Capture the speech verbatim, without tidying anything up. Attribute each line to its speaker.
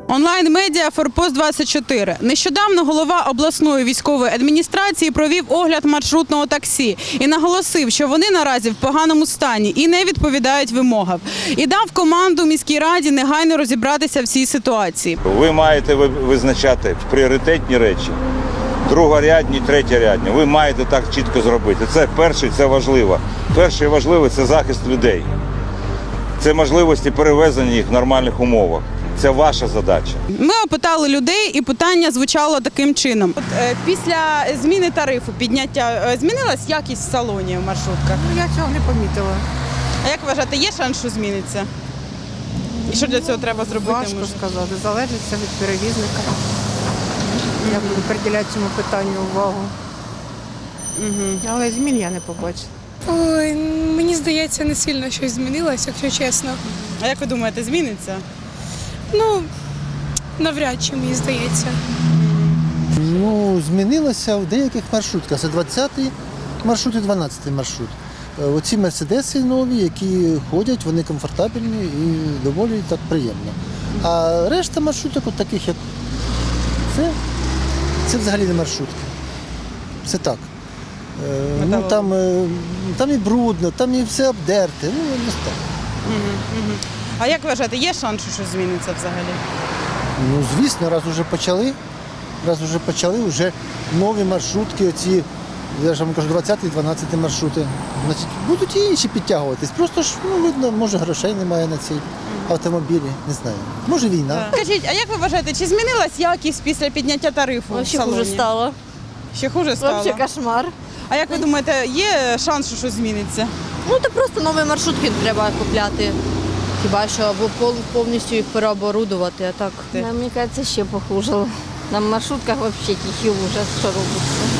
Speaker 1: Онлайн-медіа «Форпост двадцять чотири». Нещодавно голова обласної військової адміністрації провів огляд маршрутного таксі і наголосив, що вони наразі в поганому стані і не відповідають вимогам. І дав команду міській раді негайно розібратися в цій ситуації.
Speaker 2: Ви маєте визначати пріоритетні речі, другорядні, третєрядні. Ви маєте так чітко зробити. Це перше, це важливо. Перше і важливе – це захист людей. Це можливості перевезення їх в нормальних умовах. Це ваша задача.
Speaker 1: Ми опитали людей, і питання звучало таким чином. От, е, після зміни тарифу, підняття, е, змінилась якість в салоні в маршрутках?
Speaker 3: Ну, я цього не помітила.
Speaker 1: А як вважаєте, є шанс, що зміниться? І що для цього треба зробити?
Speaker 3: Важко
Speaker 1: може?
Speaker 3: сказати, залежить все від перевізника. Я буду приділяти цьому питанню увагу.
Speaker 1: Угу.
Speaker 3: Але змін я не побачила.
Speaker 4: Ой, мені здається, не сильно щось змінилось, якщо чесно.
Speaker 1: А як ви думаєте, зміниться?
Speaker 4: Ну, навряд чи, мені здається.
Speaker 5: Ну, змінилося в деяких маршрутках. Це двадцятий маршрут і дванадцятий маршрут. Е, Оці мерседеси нові, які ходять, вони комфортабельні і доволі так приємно. А решта маршруток, от таких як це, це взагалі не маршрутки. Це так. Е, Ну, там, е, там і брудно, там і все обдерте. Ну, не так.
Speaker 1: Угу. Угу. А як вважаєте, є шанс, що щось зміниться взагалі?
Speaker 5: Ну, звісно, раз вже почали, раз вже почали, вже нові маршрутки, оці, я ж вам кажу, двадцятий і дванадцятий маршрути. Значить, будуть і інші підтягуватись. Просто ж, ну, видно, може грошей немає на цій автомобілі, не знаю. Може війна.
Speaker 1: Скажіть, а як ви вважаєте, чи змінилась якість після підняття тарифу
Speaker 6: Вообще
Speaker 1: в салоні?
Speaker 6: хуже стало.
Speaker 1: Ще хуже стало?
Speaker 6: Вообще кошмар.
Speaker 1: А як ви думаєте, є шанс, що щось зміниться?
Speaker 6: Ну, то просто нові маршрутки треба купляти. Хіба що або пов- повністю їх переоборудувати, а так.
Speaker 1: Ти.
Speaker 7: Нам, мені кажется, ще похуже. На маршрутках взагалі тихий ужас, що робиться.